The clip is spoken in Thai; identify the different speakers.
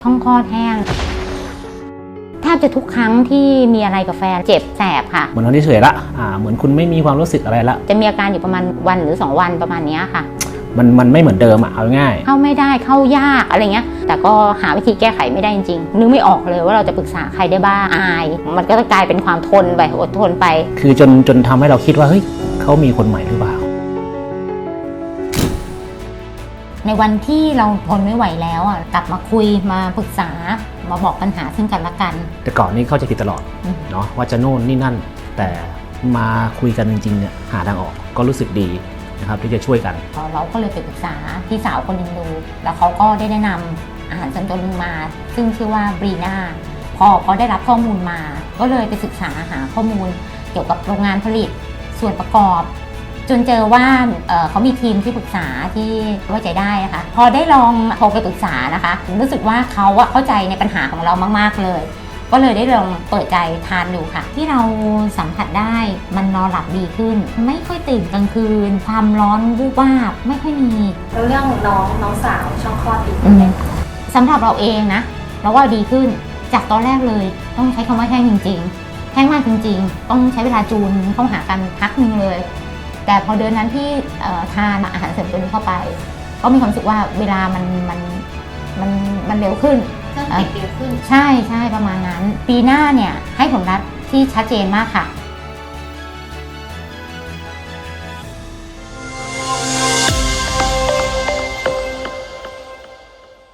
Speaker 1: ช่องคลอดแห้งแทบจะทุกครั้งที่มีอะไรกับแฟนเจ็บแสบค่ะ
Speaker 2: เหมือนคนที่เฉยละเหมือนคุณไม่มีความรู้สึกอะไรละ
Speaker 1: จะมีอาการอยู่ประมาณวันหรือ2 วันประมาณนี้ค่ะ
Speaker 2: มันไม่เหมือนเดิมเอาง่าย
Speaker 1: เข้าไม่ได้เข้ายากอะไรเงี้ยแต่ก็หาวิธีแก้ไขไม่ได้จริงๆนึกไม่ออกเลยว่าเราจะปรึกษาใครได้บ้างอายมันก็จะกลายเป็นความทนไปอดทนไป
Speaker 2: คือจนทำให้เราคิดว่าเฮ้ยเขามีคนใหม่หรือเปล่า
Speaker 1: ในวันที่เราทนไม่ไหวแล้วกลับมาคุยมาปรึกษามาบอกปัญหาซึ่งกันและกัน
Speaker 2: แต่ก่อนนี้เข้าใจผิดตลอดเนาะว่าจะโน่นนี่นั่นแต่มาคุยกันจริงๆเนี่ยหาทางออกก็รู้สึกดีนะครับที่จะช่วยกัน
Speaker 1: เราก็เลยไปปรึกษาพี่สาวคนหนึ่งดูแล้วเขาก็ได้แนะนำอาหารเสริมตัวนึงมาซึ่งชื่อว่าบรีน่าพอได้รับข้อมูลมาก็เลยไปศึกษาหาข้อมูลเกี่ยวกับโรงงานผลิตส่วนประกอบจนเจอว่าเขามีทีมที่ปรึกษาที่ไว้ใจได้นะคะพอได้ลองโทรไปปรึกษานะคะรู้สึกว่าเขาเข้าใจในปัญหาของเรามากๆเลยก็เลยได้ลองเปิดใจทานดูค่ะที่เราสัมผัสได้มันนอนหลับดีขึ้นไม่ค่อยตื่นกลางคืนความร้อนวูบวาบไม่ค่อยมี
Speaker 3: แล้วเรื่องน้องสาวช่องคลอดดีขึ้นไหม
Speaker 1: สำหรับเราเองนะเราว่าดีขึ้นจากตอนแรกเลยต้องใช้คำว่าแห้งจริงๆแห้งมากจริงๆต้องใช้เวลาจูนเข้าหากันพักนึงเลยแต่พอเดือนนั้นที่ทานอาหารเสริมตัวนี้เข้าไปก็มีความรู้สึกว่าเวลามันเร็วขึ้น
Speaker 3: เครื่องติดเร็วขึ้น
Speaker 1: ใช่ประมาณนั้นปีหน้าเนี่ยให้ผลลัพธ์ที่ชัดเจนมากค่ะ